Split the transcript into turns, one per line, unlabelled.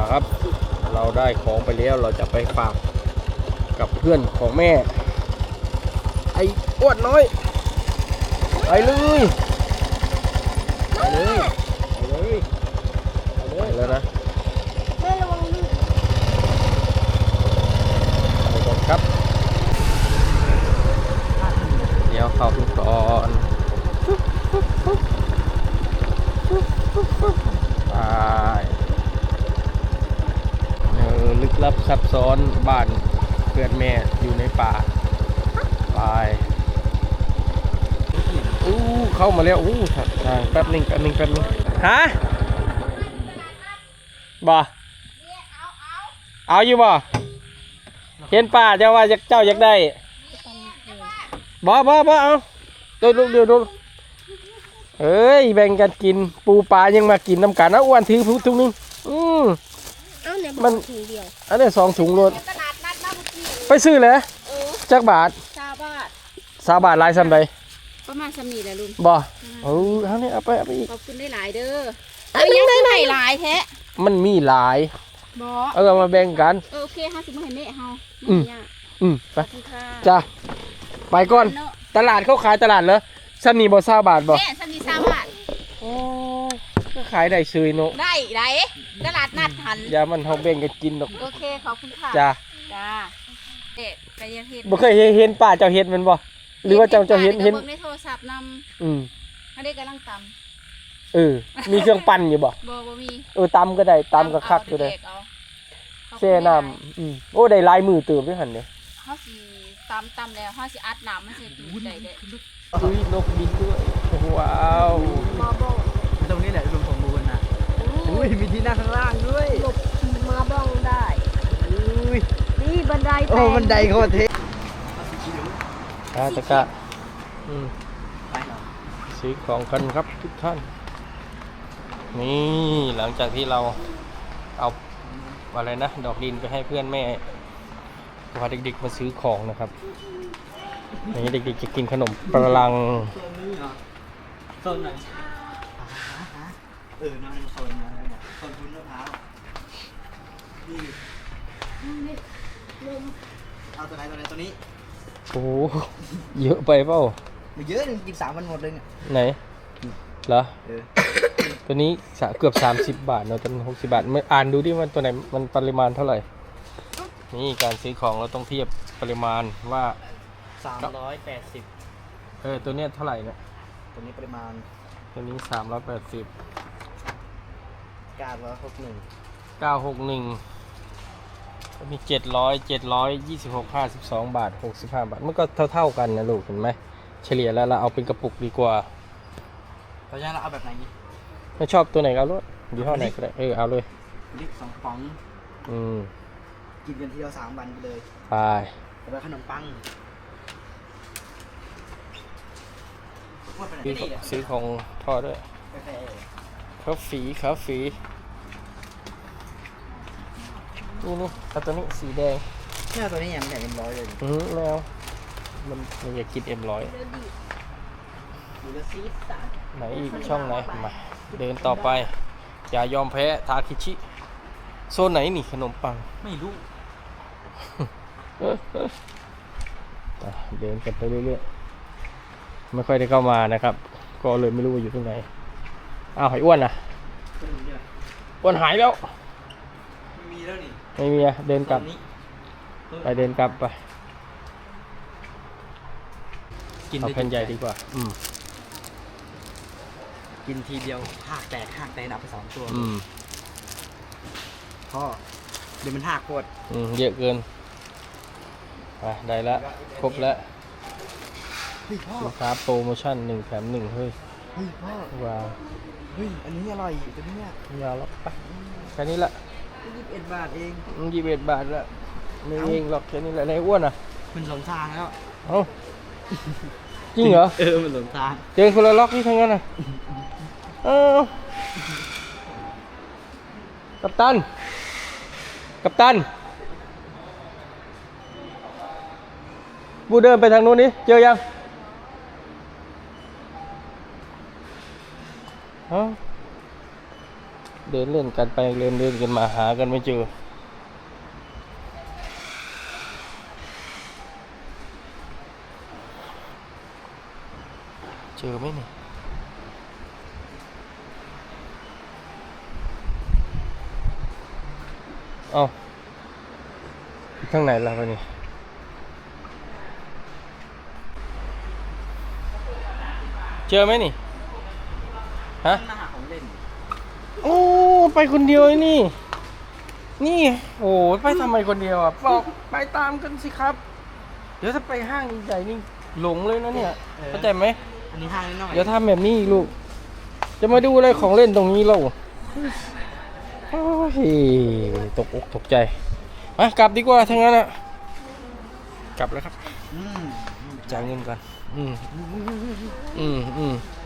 ครับเราได้ของไปแล้วเราจะไปฝากกับเพื่อนของแม่ไอ้อ้วนน้อยไปเลยไปเลยไปเลยไปเลยแล้วนะ
แม่ระวังลื่น
ไปก่อนครับเดี๋ยวเข้าทุกตอนไปลึกลับซับซ้อนบ้านเพื่อนแม่อยู่ในป่าไปเข้ามาแล้วทางแป๊บนึงฮะบ่เอาอยู่บ่เห็นป่าเจ้าว่าเจ้าอยากได้บ่เอาดูเอ้ยแบ่งกันกินปูปลายังมากินน้ำกันนะอ้วนถือทุกนึงมันอันนี้2 ถุงรถไปซื้อเลยจักบาท20 บาทลายซ้ำใด
ประมาณซ้ำนี่แหละลุง
บ่เอาเนี่ยเอาไปอีก
ขอบคุณได้หลายเด้อเอายังได้หลายแท้
มันมีหลาย
บ่
เอามาแบ่งกัน
โอเค50มาให้แม่เฮา
ไปจ้าไปก่อนตลาดเขาขายตลาดเหรอซ้ำนี่บ่20 บาทบ่
แม่ซ้ำนี่20 บาท
ก็ขายได้ซื้อเนาะ
ได้ตลาดนัดหัน
อย่ามันเฮาแบ่งกันกินดอก
โอเคขอบคุณค่ะ
จ้า
เด็กไปยังเฮ็ด
บ่เคยเห็นป้าเจ้าเฮ็ดมันบ่หรือว่าเจ้าเห็น
ในโทรศัพท์นำเขาได้กำลังต
ำมีเครื่องปั่นอยู่บ่
มี
ตำก็ได้ตำก็คักอยู่ได้แช่น้ำได้ลายมือเติมด้วยหั่นเนี่ย
เฮาสิตำแล้วเฮาสิอัดน้ำมันสิดูได้
นกบินด้วยว้าว
ตรงนี้แหละลุงสมบูรณ์นะมีที่นั่งข้างล่างด้วย
หลบมาบ้องได้นี่บันได
บันไดโคตรเท่
ตะกะซื้อของกันครับทุกท่านนี่หลังจากที่เราเอาอะไรนะดอกดินไปให้เพื่อนแม่พาเด็กๆมาซื้อของนะครับนี่เด็กๆจะกินขนมปลัง
โซนไหนนั่งโซนนะโซนพุ้นมะพร้าวนี่เอาตัวไหนตัวนี้
โอ้เยอะไปเปล่า
ไม่เยอะนึงกิน3 วันหมดเลยเนี่ย
ไหนเหรอตัวนี้เกือบ30 บาทเนาะตัวนี้60 บาทไม่อ่านดูดิมันตัวไหนมันปริมาณเท่าไหร่นี่การซื้อของเราต้องเทียบปริมาณว่า
380
ตัวนี้เท่าไหร่เนี่ย
ตัวนี้ปริมาณ
ตัวนี้380 961มี726 52 บาท65 บาทมันก็เท่ากันนะลูกเห็นไหมเฉลี่ยแล้วเราเอาเป็นกระปุกดีกว่า
ตอนนี้เราเอาแบบไหน
ไม่ชอบตัวไหนก็เอาเลยยี่ห้อไหนก็ได้เอาเลย
ลิก2 ป๋องกินกันทีเดียว3 วันไปเลย
ไป
แล้วขนมปัง
ซื้อของทอดด้วยคาฟีนี่เอาตัวนี้สีแดง
เนี่ยตัวนี้ยังไม่ได้M100เลย
แล้วมันอยากกินM100ไหนอีกช่องไหนมาเดินต่อไปอย่ายอมแพ้ทาคิชิโซนไหนนี่ขนมปัง
ไม่รู้
เดินกันไปเรื่อยๆไม่ค่อยได้เข้ามานะครับก็เลยไม่รู้ว่าอยู่ตรงไหนหอยอ้วนอ้วนหายแล้ว
มีแล้วนี่
ไม่มีเดินกลับไปเดินกลับไปเอาแผ่นใหญ่ดีกว่า
กินทีเดียวหากแตกนับไป2 ตัวพ่อเดี๋ยวมันหักโคตร
เยอะเกินไปได้ละครบแล้วลูกค้าโปรโมชั่น1 แถม 1เฮ้ย
พ่อ
ว้าว
อันนี้อร่อยตัวนี้เนี่ย
ยาวแล้วไปแค่นี้ละ
21 บาทเอง
21 บาทละไม่เองหรอกแค่นี้แหละในอ้วน
มันหลงทางแล้ว
จริงเหรอ
มันหลงทาง
เจอคนละล็อกนี่ทั้งนั้นกัปตันบูเดินไปทางนู้นนี่เจอยังเดินเล่นกันไปเดินกันมาหากันไม่เจอเจอไหมนี่เอาทางไหนล่ะวะนี่เจอไหมนี่ฮะ
มาหาของเล่น
โอ้ไปคนเดียวไอ้นี่นี่โอ้ไปทำไมคนเดียวอ่ะบอกไปตามกันสิครับ เดี๋ยวถ้าไปห้างใหญ่นี่หลงเลยนะเนี่ยเข้าใจไหม
อันนี้ห้างน้อย
เดี๋ยวทำแบบนี้อีกลูกจะมาดูอะไรของเล่นตรงนี้เราโอ้ยตกอกตกใจมากลับดีกว่าทั้งนั้นอ่ะกลับแล้วครับ
อืม
จ่ายเงินก่อน